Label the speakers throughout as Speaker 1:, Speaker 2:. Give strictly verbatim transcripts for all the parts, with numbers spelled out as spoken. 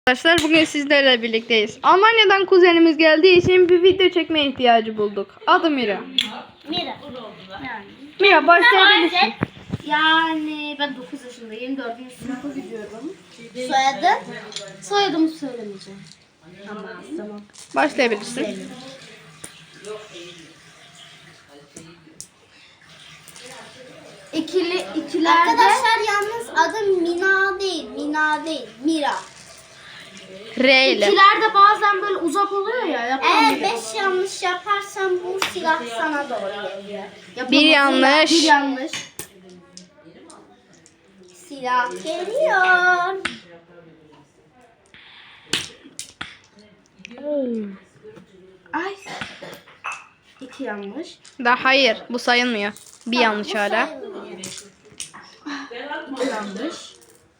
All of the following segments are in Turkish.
Speaker 1: Arkadaşlar bugün sizlerle birlikteyiz. Almanya'dan kuzenimiz geldiği için bir video çekmeye ihtiyacı bulduk. Adı Mira.
Speaker 2: Mira. Yani.
Speaker 1: Mira başlayabilirsin.
Speaker 2: Yani ben dokuz yaşındayım. dördüncü sınıfa gidiyorum. Soyadı? Soyadımı söylemeyeceğim. Tamam. Tamam.
Speaker 1: Başlayabilirsin.
Speaker 2: İkili, ikilerde... Arkadaşlar yalnız adı Mina değil. Mina değil. Mira.
Speaker 1: R ile.
Speaker 2: İkilerde bazen böyle uzak oluyor ya. Eğer beş yanlış yaparsan bu silah sana doğru geliyor.
Speaker 1: Bir yanlış.
Speaker 2: Bir yanlış. Silah geliyor. Ay. İki yanlış.
Speaker 1: Da hayır, bu sayılmıyor. Bir yanlış
Speaker 2: Bu
Speaker 1: hala.
Speaker 2: sayılmıyor. İki yanlış.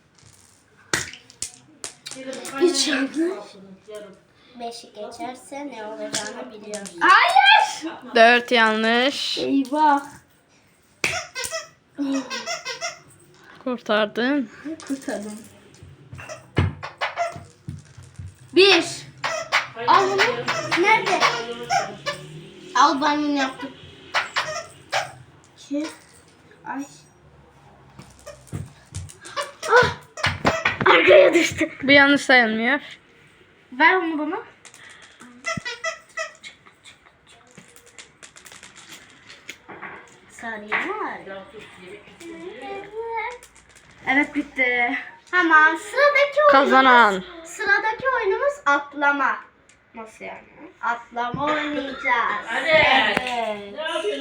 Speaker 2: Üç yanlış. Beşi geçerse ne olacağını biliyorum. Hayır.
Speaker 1: Dört yanlış.
Speaker 2: Eyvah.
Speaker 1: Kurtardın.
Speaker 2: Kurtardım. Bir. Al bunu. Nerede? Al ben bunu yaptım. İki. Ay. Ah. Arkaya düştü.
Speaker 1: Bu yanlış sayılmıyor.
Speaker 2: Ver onu bana. Saniye var. Evet bitti. Tamam sıradaki oyunumuz.
Speaker 1: Kazanan.
Speaker 2: Sıradaki oyunumuz atlama. Nasıl yani? Atlama oynayacağız.
Speaker 3: Hadi.
Speaker 2: Evet.